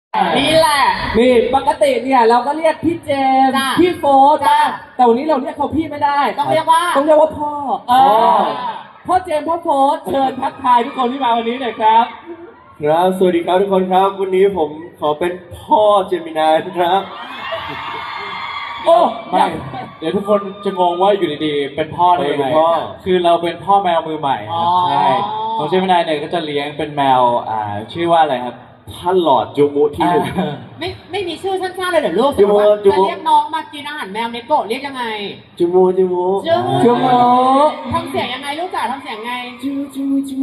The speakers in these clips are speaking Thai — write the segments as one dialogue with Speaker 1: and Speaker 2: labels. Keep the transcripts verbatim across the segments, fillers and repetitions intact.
Speaker 1: นี่แหละ
Speaker 2: นี่ปกติเนี่ยเราก็เรียกพี่เจมส์
Speaker 1: จ้ะ
Speaker 2: พี่โฟร์
Speaker 1: จ้ะ
Speaker 2: แต่วันนี้เราเรียกเขาพี่ไม่ได้
Speaker 1: ต้องเรียกว่า
Speaker 2: ต้องเรียกว่าพ่อเอ
Speaker 1: อ๋อ
Speaker 2: อพ่อเจมส์พ่อโฟร์เชิญทักทายทุกคนที่มาวันนี้หน่อยครับ
Speaker 3: ครับสวัสดีครับทุกคนครับวันนี้ผมขอเป็นพ่อเจมินายครับ
Speaker 2: โอ้
Speaker 4: ไม่ เดี๋ยวทุกคนจะงงว่าอยู่ดีๆ เป็นพ่อได้ยังไง
Speaker 3: เป็นพ่อ
Speaker 4: คือเราเป็นพ่อแมวมือใหม่ครับ
Speaker 1: อ๋อ
Speaker 4: ใช่ของเจมินายเนี่ยก็จะเลี้ยงเป็นแมวอ่าชื่อว่าอะไรครับ
Speaker 3: ท่านหลอดจูมุที่หนึ่ง
Speaker 4: อ่า
Speaker 1: ไม่ไม่มีชื่อสั้นๆเลยเหรอลูก
Speaker 3: จูโม่จู
Speaker 1: จะ
Speaker 3: โม่
Speaker 1: เรียกน้องมากินอาหารแมวเนโกะเรียกยังไง
Speaker 3: จูมุจูมุ
Speaker 1: จูมุ
Speaker 2: จูโม่
Speaker 1: ทำเสียงยังไงลูกจ๋าทำเสียงไง
Speaker 3: จูจูมุจูมุ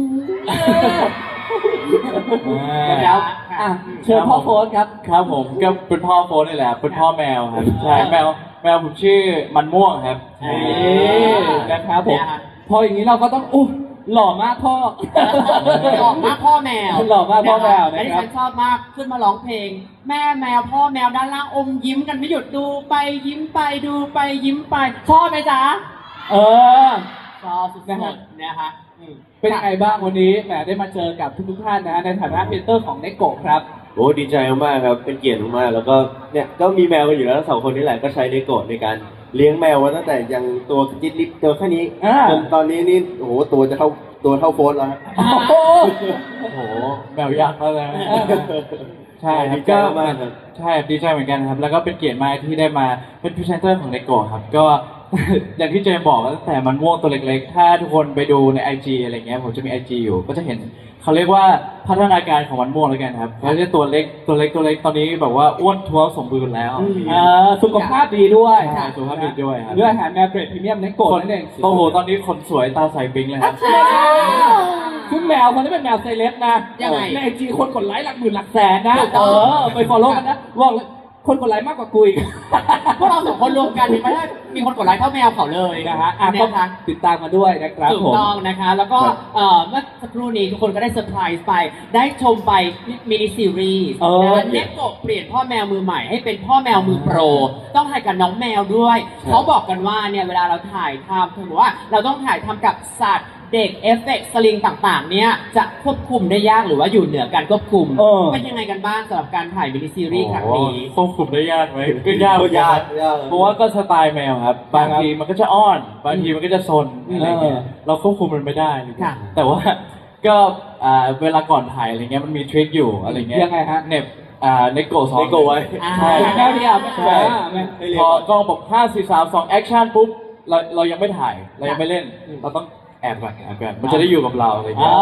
Speaker 2: นะครับอ่ะเชิญพ่อโฟร์ครับ
Speaker 4: ครับผมก็เป็นพ่อโฟนนี่แหละเป็นพ่อแมวครับใช่แมวแมวผมชื่อมันม่วงครับ
Speaker 2: นี่นะครับผม
Speaker 1: เนี่ยฮะ
Speaker 2: พออย่างนี้เราก็ต้องอู้หล่อมากพ่อ
Speaker 1: หลอกมากพ่อแมว
Speaker 2: หล่อมากพ่อแมวนะครับ
Speaker 1: และที่ฉันชอบมากขึ้นมาร้องเพลง แม่แมวพ่อแมวด้านล่างอมยิ้มกันไม่หยุดดูไปยิ้มไปดูไปยิ้มไปชอบไหมจ๊ะ
Speaker 2: เออ
Speaker 1: ชอบสุดๆนะคะอืม
Speaker 2: เป็นยังไงบ้างวันนี้แหมได้มาเจอกับทุกๆท่านนะฮะในฐานะเมนเตอร์ของเนโกะครับ
Speaker 3: โอ้ดีใจมากๆครับเป็นเกียรติมากๆแล้วก็เนี่ยก็มีแมวกันอยู่แล้วทั้งสองคนนี่แหละก็ใช้เนโกะในการเลี้ยงแมวมาตั้งแต่ยังตัวจิตลิบตัวแค่นี้
Speaker 2: อ่า
Speaker 3: จนตอนนี้นี่โอ้โหตัวจะเท่าตัวเท่าโฟนแล้วครับ
Speaker 2: โอ้โห
Speaker 4: โอ้โหแมวยักษ์แล้วนะใช่ครั
Speaker 3: ดี
Speaker 4: บ
Speaker 3: ใจ
Speaker 4: ก็
Speaker 3: มากครับ
Speaker 4: ใช่ดีใจเหมือนกันครับ แล้วก็เป็นเกียรติมากที่ได้มาเป็นพรีเซนเตอร์ของเนโกะครับก็ อย่างที่เจมบอกตั้งแต่มันม่วงตัวเล็กๆ ถ้าทุกคนไปดูใน ไอ จี อะไรเงี้ยผมจะมี ไอ จี อยู่ก็จะเห็นเขาเรียกว่าพัฒนาการของมันม่วงแล้วกันครับเขาจะตัวเล็กตัวเล็กตัวเล็กตอนนี้แบบว่าอ้วนท้วมสมบูรณ์แล้ว
Speaker 2: เอ่อสุขภาพดีด้วย
Speaker 4: ใช่สุขภาพดีด้วยครับ
Speaker 2: ด้วยอาหารแมวเกรดพรีเมียมเนโกะนั่นเอง
Speaker 4: โอ้โหตอนนี้ขนสวยตาใสปิ๊งเลยครับ
Speaker 2: ซึ่งแมวคนนี้เป็นแมวเซเลบนะ
Speaker 1: ยังไง
Speaker 2: ในไอจีคนกดไลค์หลักหมื่นหลักแสนนะ
Speaker 1: ถูก
Speaker 2: เอ
Speaker 1: ต้อง
Speaker 2: อไปฟอลโล่กันนะบอกเลยคนกดไลค์มากกว่ากูอีก
Speaker 1: พวกเราสองคนรวมกันเห็นไหมว่ามีคนกดไลค์เท่าแมวเขาเลย
Speaker 2: นะฮะอ่ะก็
Speaker 1: นะคะ
Speaker 2: ติดตามมาด้วยนะครับ
Speaker 1: ถูก
Speaker 2: ผม
Speaker 1: ต้องนะคะ แล้วก็เอ่อเมื่อสักครู่นี้ทุกคนก็ได้เซอร์ไพรส์ไป ได้ชมไปมินิซีรีส์
Speaker 2: เออ
Speaker 1: นะเน็ตโกะเปลี่ยนพ่อแมวมือใหม่ให้เป็นพ่อแมวมือโปร ต้องถ่ายกับน้องแมวด้วย เขาบอกกันว่าเนี่ยเวลาเราถ่ายทำถือว่าเราต้องถ่ายทำกับสัตว์เด็กเอฟเฟกต์สลิงต่างๆ เนี่ยจะควบคุมได้ยากหรือว่าอยู่เหนือการควบคุม
Speaker 2: เออ
Speaker 1: เป็นยังไงกันบ้างสำหรับการถ่ายมินิซีรีส์ครั้งนี้
Speaker 4: ควบคุมได้ยากไหมก็ยากเหมือน
Speaker 3: ยา
Speaker 4: กั
Speaker 3: ก
Speaker 4: น
Speaker 3: ยาก
Speaker 4: เพราะว่าก็สไตล์แมวครับ บางทีมันก็จะอ้อน บางทีมันก็จะซนอะไรเงี้ย
Speaker 2: เออ
Speaker 4: เราควบคุมมันไม่ได้อะไรเงี้
Speaker 1: ค่ะ
Speaker 4: ยแต่ว่าก็อ่าเวลาก่อนถ่ายอะไรเงี้ยมันมีทริคอยู่อะไรเงี้ย
Speaker 2: ยังไงฮะ
Speaker 4: เหน็บอ่าในโกะสอง
Speaker 3: เนโกะไว้
Speaker 1: อ่า
Speaker 4: ใช่
Speaker 2: แมวเดียว
Speaker 4: ใช่
Speaker 2: อ่าแมว
Speaker 3: ให้เรีย
Speaker 4: พ
Speaker 3: ก
Speaker 4: อ
Speaker 3: ก่อน
Speaker 4: กล้องบอกห้าสี่สามสองแอคชั่นปุ๊บเราเรายังไม่ถ่ายเรายังไม่เล่น เราต้องแอบก่อนแอบก่อนมันจะได้อยู่กับเราอะไร
Speaker 2: อ๋
Speaker 4: เงี้
Speaker 2: อย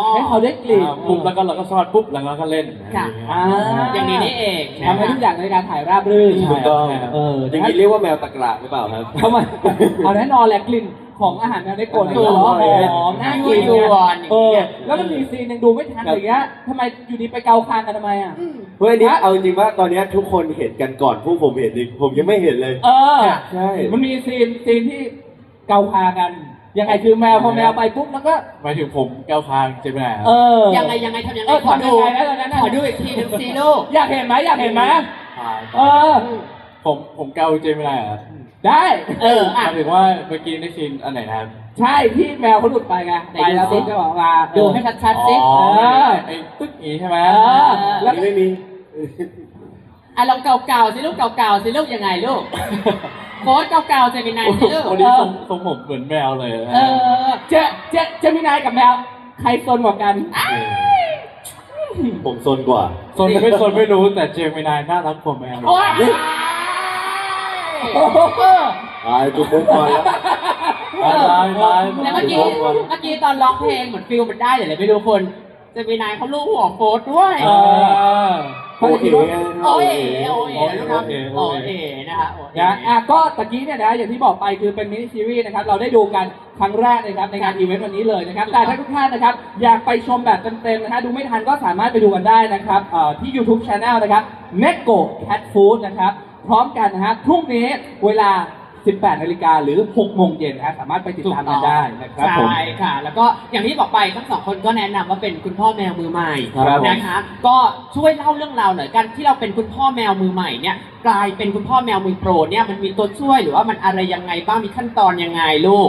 Speaker 2: ให้เขาได้กลิ่น
Speaker 4: อ่าปุ๊บแล้วก็เราก็ซ่อนปุ๊บแล้วก็เล่น
Speaker 1: ค่ะ
Speaker 2: อ่า
Speaker 1: อย่างนี้นี่เองนะ
Speaker 2: ทำให้ทุกอย่างในการถ่ายราบรื่น
Speaker 3: ถูกต้อง
Speaker 2: เออ
Speaker 3: อ
Speaker 2: ดั
Speaker 3: ย่าง ง
Speaker 2: นั้น
Speaker 3: นี้เรียกว่าแมวตะกระหรือเปล่าครับ
Speaker 2: เข้ามาเอาแน่นอนแหละกลิ่นของอาหารแมวเนโกะเนี่ย
Speaker 3: ถูก
Speaker 2: หอมหอมน่ากิน
Speaker 1: ยั่วยวน
Speaker 2: เออแล้วมันมีซีนหนึ่งดูไม่ทันอย่างเงี้ยทำไมอยู่ดีไปเกาคางกันทำไมอ่ะ
Speaker 3: เฮ้ยอันนี้เอาจริงๆว่าตอนนี้ทุกคนเห็นกันก่อนพวกผมเห็นดิผมยังไม่เห็นเลย
Speaker 2: เออ
Speaker 3: ใช่
Speaker 2: มันมีซีนซีนที่เกาคางกัน ยังไงคือแมวพอแมวไปปุ๊บแล้วก็
Speaker 4: หมายถึงผมแก้วคางเจมินายครับ
Speaker 2: เออ
Speaker 1: ยังไงยังไงทำยังไง
Speaker 2: เออ
Speaker 1: ขอดู
Speaker 2: ทำยังไงนะตอนนั้นน่ะ
Speaker 1: ขอดูอีกทีหนึ่งสิลูก
Speaker 2: อยากเห็นไหมอยากเห็นไหม
Speaker 4: ถ่าย
Speaker 2: เออ
Speaker 4: ผมผมเกาเจมินายครับ
Speaker 2: ได้
Speaker 1: เออ
Speaker 4: ห
Speaker 1: อ่ะ
Speaker 4: มายถึงว่าเมื่อกี้ในซีนอันไหนนะครับ
Speaker 2: ใช่ที่แมวเขาหลุดไปไง
Speaker 1: ไหน
Speaker 2: ไปแล้ว
Speaker 1: ดูสิ
Speaker 2: ปุ๊บก็บอกมา
Speaker 1: ดูให้ชัดๆสิ
Speaker 4: อ๋อ
Speaker 2: เออ
Speaker 4: ไอ้ตึ๊กอีใช่ไหม
Speaker 2: เออ
Speaker 3: อั
Speaker 2: แล้ว
Speaker 3: นนี้ไม่มี
Speaker 1: อ่ะลองเก่าๆสิลูกเก่าๆสิลูกยังไงลูกโค้ดเก่าๆจะเป็นไงสิลูก
Speaker 4: วันนี้ทรงทรงผมเหมือนแมวเลยนะ
Speaker 1: เออ
Speaker 2: เจเจเจมินายกับแมวใครซนกว่ากัน
Speaker 3: ผมซนกว่า
Speaker 4: โซนไม่โซนไม่รู้แต่เจมินายน่ารักกว่าแมว
Speaker 1: โอ๊ย
Speaker 3: ตายจุกมุกก่อนแล้ว
Speaker 4: ตายตายตาย
Speaker 1: แล้วเมื่อกี้เมื่อกี้ตอนร้องเพลงเหมือนฟิลมันได้เดี๋ยวเลยไปดูคนจะเป็นนายเขาลูกหัวโค้ดด้วย
Speaker 2: เออ
Speaker 3: โอเค
Speaker 1: โอ้ยโอ้ยลูกนะโอ้ยนะคะโอ้ย
Speaker 2: นะอ่ะก็ตะกี้เนี่ยนะอย่างที่บอกไปคือเป็นมินิซีรีส์นะครับเราได้ดูกันครั้งแรกนะครับในงานอีเวนต์วันนี้เลยนะครับแต่ถ้าทุกท่านนะครับอยากไปชมแบบเต็มๆนะฮะดูไม่ทันก็สามารถไปดูกันได้นะครับเอ่อที่ YouTube Channel นะครับ Neko Cat Food นะครับพร้อมกันนะฮะพรุ่งนี้เวลา สิบแปดนาฬิกาหรือหกโมงเย็นนะฮะสามารถไปติดตามกันได้นะครับผม
Speaker 1: ใช่ค่ะ แล้วก็อย่างที่บอกไปทั้งสองคนก็แนะนำว่าเป็นคุณพ่อแมวมือใหม่
Speaker 2: ครับผม
Speaker 1: นะคะ ก็ช่วยเล่าเรื่องราวหน่อยกันที่เราเป็นคุณพ่อแมวมือใหม่เนี่ยกลายเป็นคุณพ่อแมวมือโปรเนี่ยมันมีตัวช่วยหรือว่ามันอะไรยังไงบ้างมีขั้นตอนยังไงลูก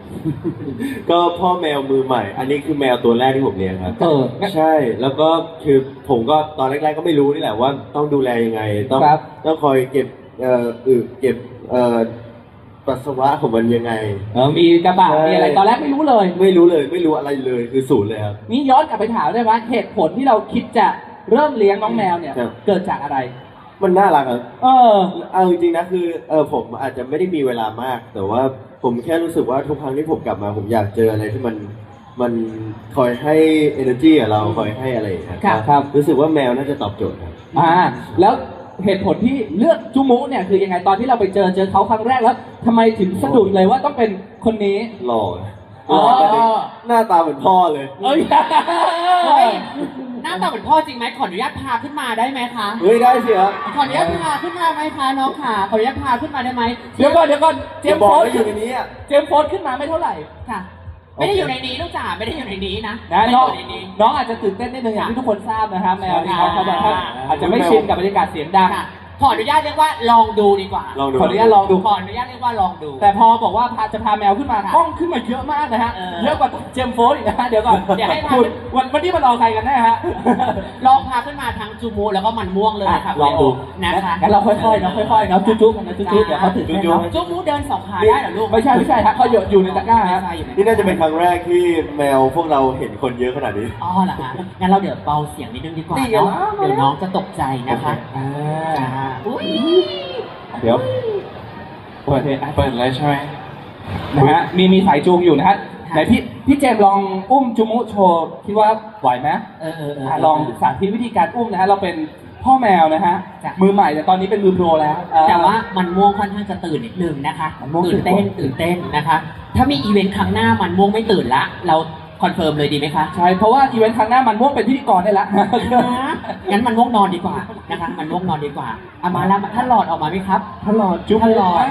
Speaker 3: ก็พ่อแมวมือใหม่ อันนี้คือแมวตัวแรกที่ผมเลี้ยงครับ
Speaker 2: เออ
Speaker 3: ใช่ แล้วก็คือผมก็ตอนแรกๆก็ไม่รู้นี่แหละว่าต้องดูแลยังไง ต้อง
Speaker 2: ครับ
Speaker 3: ต้องคอยเก็บเอ่ออึเก็บเอ่อปัสสาวะของมันยังไง
Speaker 2: เออมีกระบะ
Speaker 3: ใช่
Speaker 2: มีอะไรตอนแรกไม่รู้เลย
Speaker 3: ไม่รู้เลยไม่รู้อะไรเลยคือศูนย์เลยครับ
Speaker 2: นี่ย้อนกลับไปถามได้ไหมเหตุผลที่เราคิดจะเริ่มเลี้ยงน้องแมวเนี่ย
Speaker 3: ครับ
Speaker 2: เกิดจากอะไร
Speaker 3: มันน่ารักครับ
Speaker 2: เออ
Speaker 3: เอาจริงๆนะคือเออผมอาจจะไม่ได้มีเวลามาก แต่ว่าผมแค่รู้สึกว่าทุกครั้งที่ผมกลับมา ผมอยากเจออะไรที่มันมันคอยให้ energy กับเราคอยให้อะไรอย่างเงี้ย
Speaker 2: ครับครับ
Speaker 3: รู้สึกว่าแมวน่าจะตอบโจทย์ครับ
Speaker 2: อ่าแล้วเหตุผลที่เลือกจูมุเนี่ยคือยังไงตอนที่เราไปเจอเจอเขาครั้งแรกแล้วทำไมถึงสะดุดเลยว่าต้องเป็นคนนี้
Speaker 3: หล่อ
Speaker 2: อ๋อ
Speaker 3: หน้าตาเหมือนพ่อเลย
Speaker 2: เอ้ย
Speaker 1: เฮ้ยหน้าตาเหมือนพ่อจริงไหมขออนุญาตพาขึ้นมาได้ไหมคะ
Speaker 3: เฮ้ยได้สิครับ
Speaker 1: ขออนุญาตพาขึ้นมาไหมคะน้องขาขออนุญาตพาขึ้นมาได้ไหม
Speaker 2: เดี๋ยวก่อนเดี๋ยวก่อนเจ
Speaker 3: จะ
Speaker 2: มส์
Speaker 3: บอ
Speaker 2: โฟ
Speaker 3: ก
Speaker 2: ร์
Speaker 3: ว่าอยู่ในนี้อ่ะ
Speaker 2: เจมส์โฟร์ขึ้นมาไม่เท่าไหร่
Speaker 1: ค่ะ ไม่ได้อยู่ในนี้ลูกจ๋าไม่ได้อยู่ในนี้นะ
Speaker 2: นะ
Speaker 1: ไม่
Speaker 2: น้
Speaker 1: ได้
Speaker 2: อง
Speaker 1: อยู่ในนี้
Speaker 2: น้องอาจจะตื่นเต้นนิดนึงอย่างที่ทุกคนทราบนะครับแมวนี่เขา
Speaker 1: อ่า
Speaker 2: เขาแบบว่าอาจจะไม่ชินกับบรรยากาศเสียงดัง
Speaker 1: ค่ะขออนุญาตเรียกว่าลองดูดีกว่า
Speaker 3: ลองดู
Speaker 2: ขออนุญาตลองดู
Speaker 1: ขออนุญาตเรียกว่าลองดู
Speaker 2: แต่พอบอกว่าพาจะพาแมวขึ้นมา
Speaker 1: ค่ะ
Speaker 2: กล้องขึ้นมาเยอะมากนะฮะ
Speaker 1: เออ
Speaker 2: เยอะกว่าเจมส์โฟร์อีกนะฮะเดี๋ยวก่อน
Speaker 1: เดี๋ยวให้พา
Speaker 2: คุณวันวันนี้มารอใครกันแน่ฮะ
Speaker 1: ลองพาขึ้นมาทั้งจูมูแล้วก็มันม่วงเลยค่ะ
Speaker 2: ลองดู
Speaker 1: นะคะ
Speaker 2: งั้นเราค่อยๆเนาะค่อยๆเนาะจุ๊บๆกันนะจุ๊บๆเดี๋ยวเขาตื่นเต้นเนาะ
Speaker 1: จูมูเดินสองขาได้เหรอลูก
Speaker 2: ไม่ใช่ไม่ใช่ฮะเขาอยู่อยู่ในตะกร้า
Speaker 1: ไม่
Speaker 2: ฮะ
Speaker 1: ใช่อยู่ใ
Speaker 3: นี่น่าจะเป็นครั้งแรกที่แมวพวกเราเห็นคนเยอะขนาดนี้
Speaker 1: อ๋อเหรอฮะงั้นเราเดี๋ยวเบาเสียงนิดนึงดีกว่า
Speaker 3: นี่ไง
Speaker 1: เนาะ
Speaker 3: ล่ะ
Speaker 1: เดี๋ยวน้องจะตกใจนะคะ
Speaker 2: อ่า
Speaker 1: จ้าอุ้ย
Speaker 2: เดี๋ยวเปิดเพลง
Speaker 4: เปิดเลยใช่ไหม
Speaker 2: นะฮะมีมีสายจูงอยู่นะฮะไหนพี่พี่เจมส์ลองอุ้มจูมุโชว์คิดว่าไหวไหม
Speaker 1: เออเออเออ
Speaker 2: อ่ะลองสาธิตวิธีการอุ้มนะฮะเราเป็นพ่อแมวนะฮะ
Speaker 1: จ้ะ
Speaker 2: มือใหม่แต่ตอนนี้เป็นมือโปรแล้วเอ่อ
Speaker 1: แต่ว่ามันม่วงค่อนข้างจะตื่นนิดนึงนะคะ
Speaker 2: มันม่วง
Speaker 1: ตื่นเต้นตื่นเต้นนะคะ ถ้ามีอีเวนต์ครั้งหน้ามันม่วงไม่ตื่นละ เราคอนเฟิร์มเลยดีไหมคะ
Speaker 2: ใช่เพราะว่าอีเวนต์ครั้งหน้ามันม่วงเป็นพิธีกรได้ละ
Speaker 1: งั้นมันม่วงนอนดีกว่านะคะ มันม่วงนอนดีกว่าเอามาแล้วท่านหลอดออกมาไหมครับ
Speaker 2: ท่านหลอดจุ๊บ
Speaker 1: ท่านหลอด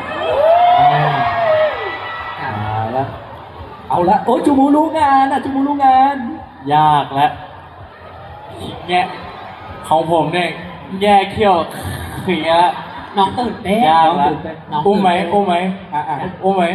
Speaker 2: เอาละเอาละโอ้จูมูรู้งานอ่ะจูมูรู้งาน
Speaker 4: ยากและแง่ของผมเนี่ยแย่เขี้ยวอย่างเงี้ยละ
Speaker 1: น้องตื่นเต้น
Speaker 4: ยาก
Speaker 2: น้อง
Speaker 4: ละ
Speaker 2: ตื่นเต้น
Speaker 1: น้อง
Speaker 4: อุ้มไหม
Speaker 1: ตื่นเต้น
Speaker 4: อุ้มไหม
Speaker 2: อ่ะอ่ะ
Speaker 4: อุ้มไหม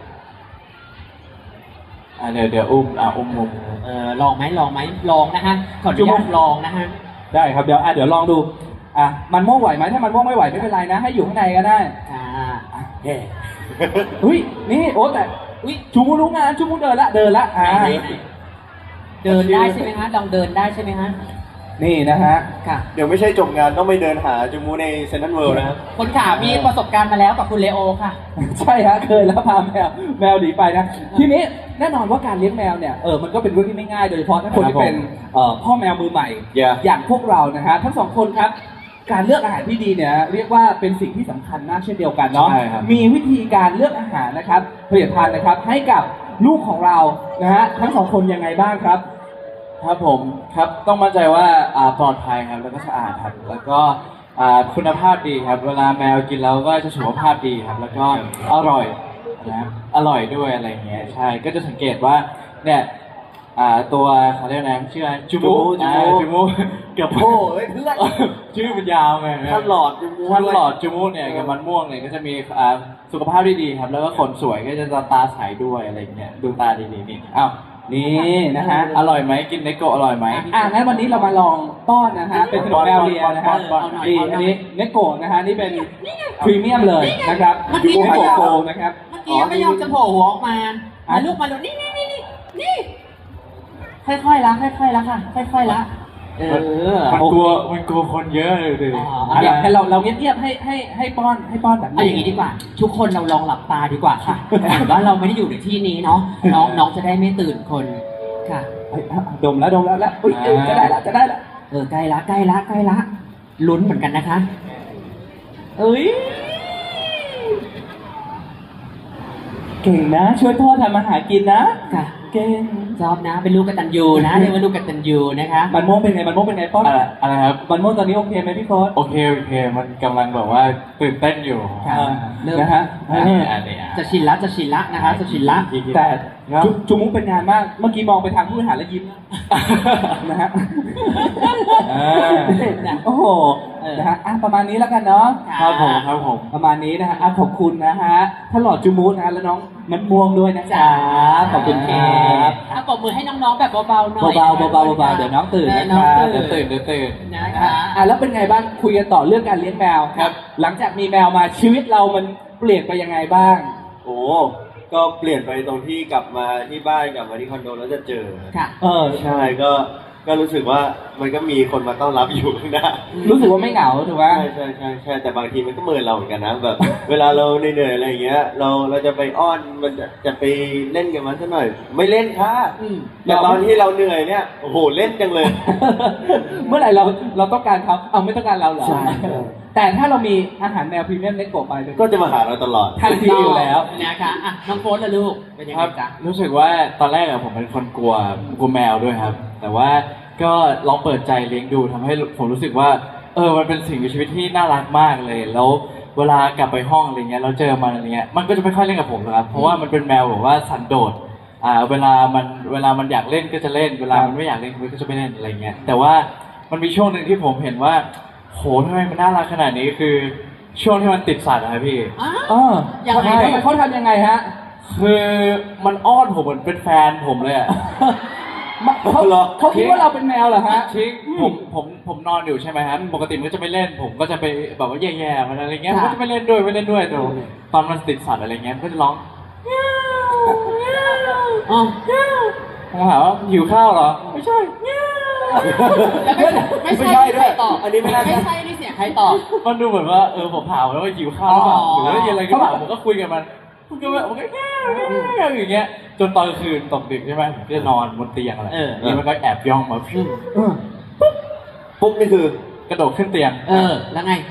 Speaker 4: อ่ะเดี๋ยวเดี๋ยวอุ้มอ่ะอุ้มอุ้ม
Speaker 1: เออลองไหมลองไหมลองนะฮะขออนุญาตลองนะฮะ
Speaker 2: ได้ครับเดี๋ยวอ่ะเดี๋ยวลองดูอ่ะมันม่วงไหวไหมถ้ามันม่วงไม่ไหวไม่เป็นไรนะ ให้อยู่ข้างในก็ได้
Speaker 1: อ่า
Speaker 2: เฮ้อุ้ยนี่โอ้แต่
Speaker 1: อุ้ย
Speaker 2: จูมูรู้งานจูมูเดินละเดินละอ่า
Speaker 1: ไหนไหนเดินได้ใช่ไหมฮะลองเดินได้ใช่ไหมฮะ
Speaker 2: นี่นะฮะ
Speaker 1: ค่ะ
Speaker 3: เดี๋ยวไม่ใช่จบงานต้องไปเดินหาจูมูในเซนต์เวิลด์นะครับ
Speaker 1: คนขามีประสบการณ์มาแล้วกับคุณเลโอค่ะ
Speaker 2: ใช่ฮะเคยแล้วพาแมวแมวหนีไปนะ ทีนี้แน่นอนว่าการเลี้ยงแมวเนี่ยเออมันก็เป็นเรื่องที่ไม่ง่ายโดยเฉพาะถ้าคนที่เป็นเอ่อพ่อแมวมือใหม่
Speaker 3: Yeah
Speaker 2: อย่างพวกเรานะฮะทั้งสองคนครับ การเลือกอาหารที่ดีเนี่ยเรียกว่าเป็นสิ่งที่สำคัญมากเช่นเดียวกันเนาะ
Speaker 4: ใช่ครับ
Speaker 2: มีวิธีการเลือกอาหารนะครับผลิตภัณฑ์นะครับให้กับลูกของเรานะฮะทั้งสองคนยังไงบ้างครับ
Speaker 4: ครับผมครับต้องมั่นใจว่าอ่าปลอดภัยครับแล้วก็สะอาดครับแล้วก็อ่าคุณภาพดีครับ เวลาแมวกินแล้วก็จะสุขภาพดีครับ แล้วก็อร่อยนะครับอร่อยด้วยอะไรอย่างเงี้ยใช่ก็จะสังเกตว่าเนี่ยอ่าตัวเขาเรียกอะไรชื่ออะไรจูมู
Speaker 3: จูมู
Speaker 4: อ่าจูมูเกือบ
Speaker 3: โอ้เฮ้ยเพื่อน
Speaker 4: ชื่อมันยาวไง
Speaker 3: ท่านหลอดจูมู
Speaker 4: ท่าน
Speaker 3: ด้วย
Speaker 4: หลอดจูมูเนี่ยกับมันม่วงเนี่ยก็จะมีอ่าสุขภาพที่ดีครับ แล้วก็ขนสวยก็จะตาใสด้วยอะไรอย่างเงี้ยดูตาดีๆนี่อ้าว
Speaker 2: นี่นะฮะ
Speaker 4: อร่อยไหมกินเนโกะอร่อยไหม
Speaker 2: อ่ะงั้นวันนี้เรามาลองป้อนนะฮะ เป็นขนมแมวเลียนะฮะ
Speaker 1: ป้อนๆๆๆ
Speaker 2: นี่อันนี้เนโกะนะฮะ นี่เป็นพรีเมียมเลยนะครับ
Speaker 1: เมื่อกี้
Speaker 2: เนโกะโกนะครับ
Speaker 1: เมื่อกี้ไม่ยอมจะโผล่หัวออกมามาลูกมาลูกนี่นี่นี่นี่นี่ค่อยๆละค่อยๆละค่ะ ค่อยๆละเออ
Speaker 4: มันกลัวมันกลัวคนเยอะเลยดิ
Speaker 1: อ๋อ
Speaker 2: อ่ะอยากให้เราเราเงียบๆให้ให้ให้ป้อนให้ป้อนแบบ
Speaker 1: เอาอย่างนี้ดีกว่า ทุกคนเราลองหลับตาดีกว่าค่ะเหมือนว่าเราไม่ได้อยู่ในที่นี้เนาะน้องน้องจะได้ไม่ตื่นคนค่ะ
Speaker 2: เฮ้ยดมแล้วดมแล้วแล้วอุ๊ยจะได้ละจะได้ละ
Speaker 1: เออใกล้ละใกล้ละใกล้ละลุ้นเหมือนกันนะคะ
Speaker 2: เอ้ยเก่งนะ ช่วยพ่อทำอาหารกินนะ
Speaker 1: ค่ะ
Speaker 2: เก่ง
Speaker 1: ชอบนะเป็นลูกกตัญญูนะเรียกว่าลูกกตัญญูนะคะ
Speaker 2: มันม่วงเป็นไงมันม่วงเป็นไงป้อน
Speaker 4: อะไรอะไรครับ
Speaker 2: มันม่วงตอนนี้โอเคไหมพี่โค้ด
Speaker 4: โอเคโอเค มันกำลังแบบว่าตื่นเต้นอยู่
Speaker 1: ค่ะ
Speaker 2: อ่า
Speaker 1: เริ่ม
Speaker 2: นะฮะ
Speaker 4: อ่า
Speaker 2: นี่
Speaker 4: อันนี้อ่ะ
Speaker 1: จะชินละจะชินละนะคะ จะชินละ
Speaker 2: แต่
Speaker 4: ครับ
Speaker 2: จุจุมุกเป็นงานมาก เมื่อกี้มองไปทางผู้บริหารแล้วยิ้มนะฮะ
Speaker 4: อ่า
Speaker 2: โอ้โห
Speaker 1: เออ
Speaker 2: นะฮะอ่ะประมาณนี้แล้วกันเนาะ
Speaker 4: ครับผมครับผม
Speaker 2: ประมาณนี้นะฮะอ่ะขอบคุณนะฮะท่านหลอดจูมูสนะฮะและน้องมันม่วงด้วยนะครับขอบคุณครับ
Speaker 1: อ่ะปรบมือให้น้องๆแบบเบาๆหน่อย
Speaker 2: เบาๆเบาๆเบาๆเดี๋ยวน้องตื่น
Speaker 1: เออ
Speaker 2: นะ
Speaker 1: น้อง
Speaker 2: ครับ
Speaker 1: ตื่
Speaker 4: เดี๋ยวน ตื่นเดี๋ยวตื่น
Speaker 1: นะคะ
Speaker 2: อ่ะแล้วเป็นไงบ้างคุยกันต่อเรื่องการเลี้ยงแมว
Speaker 3: ครับ
Speaker 2: หลังจากมีแมวมาชีวิตเรามันเปลี่ยนไปยังไงบ้าง
Speaker 3: โอ้ก็เปลี่ยนไปตรงที่กลับมาที่บ้านกลับมาที่คอนโดแล้วจะเจอ
Speaker 1: ค่ะ
Speaker 2: เออ
Speaker 3: ใช่ก็ก็รู้สึกว่ามันก็มีคนมาต้อนรับอยู่ข้างหน้า
Speaker 2: รู้สึกว่าไม่เหงาถูกไหม
Speaker 3: ใช่ใช่ใช่ใช่แต่บางทีมันก็เมินเราเหมือนกันนะแบบ เวลาเราเหนื่อยๆอะไรอย่างเงี้ย เราเราจะไปอ้อนมันจะจะไปเล่นกับมันซะหน่อย ไม่เล่นค่ะ
Speaker 1: อืม
Speaker 3: แต่ตอนที่เราเหนื่อยเนี่ยโอ้โหเล่นจังเลย
Speaker 2: เมื่อไหร่เราเราต้องการเขาเอาไม่ต้องการเราเหรอ
Speaker 3: ใช่
Speaker 2: แต่ถ้าเรามีอาหารแมวพรีเมียมเล็กโกะไปเป็น
Speaker 3: ก็จะมาหาเราตลอด
Speaker 2: ทันทีอยู่แล้ว
Speaker 1: นะคะอ่ะน้องโฟนล่ะลูกเป็นยัง
Speaker 4: ค
Speaker 1: ไง
Speaker 4: รับ
Speaker 1: จ๊ะ
Speaker 4: รู้สึกว่าตอนแรกอะผมเป็นคนกลัวกลัวแมวด้วยครับ แต่ว่าก็ลองเปิดใจเลี้ยงดูทำให้ผมรู้สึกว่า เออมันเป็นสิ่งมีชีวิตที่น่ารักมากเลย แล้วเวลากลับไปห้องอะไรเงี้ยเราเจอมันอะไรเงี้ยมันก็จะไม่ค่อยเล่นกับผมหรอกครับเพราะว่ามันเป็นแมวแบบว่าสันโดษอ่าเวลามันเวลามันอยากเล่นก็จะเล่น เวลามันไม่อยากเล่นมันก็จะไม่เล่นอะไรเงี้ยแต่ว่ามันมีช่วงหนึ่งที่ผมเห็นว่าโหทำไมมันน่ารักขนาดนี้คือช่วงที่มันติดสัตว์อะครับพี่
Speaker 1: อ้าว
Speaker 2: เออ
Speaker 1: ยังไง
Speaker 2: ทำเขาทำยังไงฮะ
Speaker 4: คือมันอ้อนผมเหมือนเป็นแฟนผมเลยอะ
Speaker 2: มาเขา
Speaker 3: เหรอ
Speaker 2: เขาคิดว่าเราเป็นแมวเหรอฮะ
Speaker 4: ชิงผมผมผมนอนอยู่ใช่ไหมครับปกติมันก็จะไม่เล่น ผมก็จะไปแบบว่าแย่ๆมันอะไรเงี้ย
Speaker 1: ค่ะ
Speaker 4: มันก็จะไม่เล่นด้วยไม่เล่นด้วยแต่ตอนมันติดสัตว์อะไรเงี้ยมันก็จะร้อง
Speaker 1: อ๋อ
Speaker 4: ผมถามว่าหิวข้าวเหรอไม่ใช่
Speaker 1: แล้วไม่
Speaker 3: ไม่ใช่ด้วย
Speaker 1: ใครตอบ
Speaker 3: อันนี้ไม่น่า
Speaker 1: ไม่ใช่นี่เสียงใครตอบ
Speaker 4: มันดูเหมือนว่าเออผมถามแล้วว่าหิวข้าวหรือเปล่า
Speaker 1: อ๋อ
Speaker 4: หรือว่าอะไรก็เปล่าผมก็คุยกับมันมันก็แบบมันก็แง่แง่อย่างเงี้ยจนตอนกลางคืนตกดึกใช่ไหมผมก็จะนอนบนเตียงอะไร
Speaker 1: เออ
Speaker 4: นี่มันก็แอบย่องมาฟิว
Speaker 2: เออ
Speaker 3: ปุ๊บนี่คือ
Speaker 4: กระโดดขึ้นเตียง
Speaker 1: เออ แล้วไง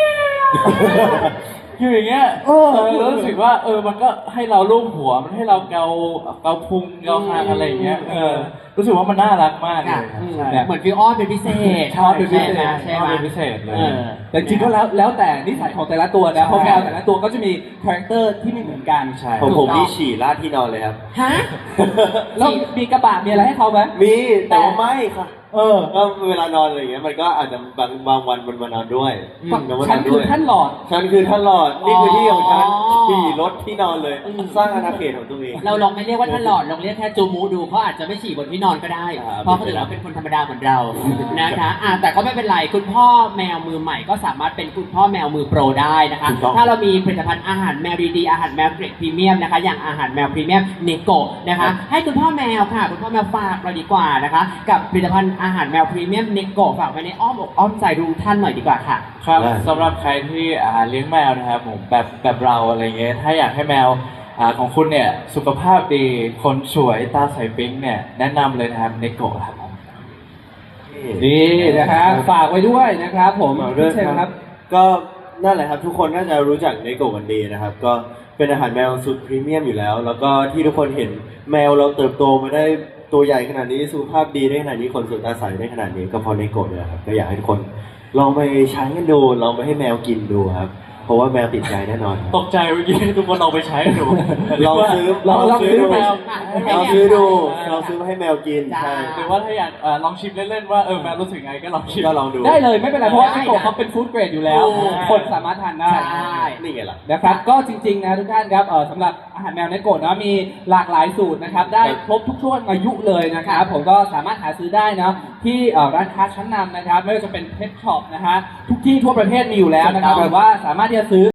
Speaker 4: คืออย่างเงี้ย
Speaker 2: เออ
Speaker 4: แล้วรู้สึกว่าเออมันก็ให้เราลูบหัวมันให้เราเกาเกาพุงเกาคางอะไรอย่างเงี้ยเออรู้สึกว่ามันน่ารักมากเล
Speaker 1: ค่ะ
Speaker 4: ยครับ
Speaker 1: อืม
Speaker 4: ใช่
Speaker 1: เหมือนฟิวอ้อนเป็นพิเศษ
Speaker 2: อ้อนเป็นพิเศษ
Speaker 1: ใช่ไหมใช่ไหม
Speaker 4: เป็นพิเศษเลย
Speaker 1: เออ
Speaker 2: แต่จริงๆก็แล้วแล้วแต่นิสัยของแต่ละตัวนะเพราะแมวแต่ละตัวก็จะมีคาแรคเตอร์ที่ไม่เหมือนกัน
Speaker 4: ใช่
Speaker 3: ผม
Speaker 1: ถู
Speaker 3: ผ
Speaker 1: ก
Speaker 3: ม
Speaker 1: ต้อง
Speaker 3: นี่ฉี่ราดที่นอนเลยครับ
Speaker 1: ฮะ
Speaker 2: แล้วมีกระบะมีอะไรให้เขาไหม
Speaker 3: มีแต่ว่าไม่ค่ะ
Speaker 2: เออ
Speaker 3: ก็เวลานอนอะไรอย่างเงี้ยมันก็อาจจะบางบางวันมันมานอนด้วย
Speaker 1: อืม
Speaker 3: แล้วมาน
Speaker 2: ฉั
Speaker 3: อน น
Speaker 2: คื
Speaker 3: ด้
Speaker 2: อ
Speaker 3: วย
Speaker 2: ท่านหลอด
Speaker 3: ฉันคือท่านหลอดนี่คือที่ของฉัน
Speaker 1: อ๋อ
Speaker 3: ขี่รถที่นอนเลย
Speaker 1: อืม
Speaker 3: สร้างอาณาเขตของตัวเอง
Speaker 1: เราลองไม่เรียกว่าท่านหลอดลองเรียกแค่จูมูดูเขาอาจจะไม่ฉี่บนที่นอนก็ได้
Speaker 3: ครับ
Speaker 1: เพราะเขาถือว่าเป็นคนธรรมดาเหมือนเรานะคะอ่ะแต่ก็ไม่เป็นไรคุณพ่อแมวมือใหม่ก็สามารถเป็นคุณพ่อแมวมือโปรได้นะคะ
Speaker 3: ถูกต้อง
Speaker 1: ถ้าเรามีผลิตภัณฑ์อาหารแมวดีๆอาหารแมวเกรดพรีเมียมนะคะอย่างอาหารแมวพรีเมียมเนโกะนะคะให้คุณพ่อแมวค่ะคุณพ่อแมวฝากเราดีกว่านะคะกับผลิตภัณฑ์อาหารแมวพรีเมียมเนโกะฝากไว้ในอ้อมอกอ้อมใจทุกท่านหน่อยดีกว่าค่ะ
Speaker 4: ครับ
Speaker 3: ได้
Speaker 4: สำหรับใครที่อ่าเลี้ยงแมวนะครับผมแบบแบบเราอะไรเงี้ยถ้าอยากให้แมวอ่าของคุณเนี่ยสุขภาพดีคนสวยตาใสปิ๊งเนี่ยแนะนำเลยนะครับเนโกะครับผม
Speaker 2: นี่นะฮะฝากไว้ด้วยนะครับผม
Speaker 3: ฝากด้วย
Speaker 2: เชิญครับ
Speaker 3: ก็นั่นแหละครับทุกคนน่าจะรู้จักเนโกะกันดีนะครับ ก็เป็นอาหารแมวสุดพรีเมียมอยู่แล้ว แล้วก็ที่ทุกคนเห็นแมวเราเติบโตมาได้ตัวใหญ่ขนาดนี้สุขภาพดีได้ขนาดนี้คนสวยตาใสได้ขนาดนี้ก็เพราะเนโกะเลยครับก็อยากให้ทุกคนลองไปใช้กันดูลองไปให้แมวกินดูครับ เพราะว่าแมวติดใจแน่นอนครับ
Speaker 4: ตกใจเมื่อกี้ทุกคนลองไปใช้ดู
Speaker 3: ลองซื้อ
Speaker 2: ลองลองซื้อ
Speaker 3: ดู
Speaker 4: แมว
Speaker 3: ลองซื้อดูลองซื้อมาให้แมวกิน
Speaker 1: จ้า
Speaker 3: ใช่
Speaker 4: หรือว่าถ้าอยากเอ่อลองชิมเล่นๆว่าเออแมวรู้สึกไงก็ลองชิม
Speaker 3: ก็ลองดู
Speaker 2: ได้เลยไม่เป็นไรเพราะว่า
Speaker 1: ได้
Speaker 2: ไอโกะเขาเป็นฟู้ดเกรดอยู่แล้ว
Speaker 1: ถูก
Speaker 2: คนสามารถทานได้
Speaker 1: ใช่
Speaker 3: นี่ไงล่ะ
Speaker 2: นะครับก็จริงๆนะทุกท่านครับเออสำหรับอาหารแมวในโกะนะมีหลากหลายสูตรนะครับได้ครบทุกช่วงอายุเลยนะครับผมก็สามารถหาซื้อได้นะที่เอ่อร้านค้าชั้นนำนะครับไม่ว่าจะเป็นเพชช็อปนะฮะทุกที่ทั่วประเทศมีอยู่แล้วนะครับหรือว่าสามารถที่จะซื้อ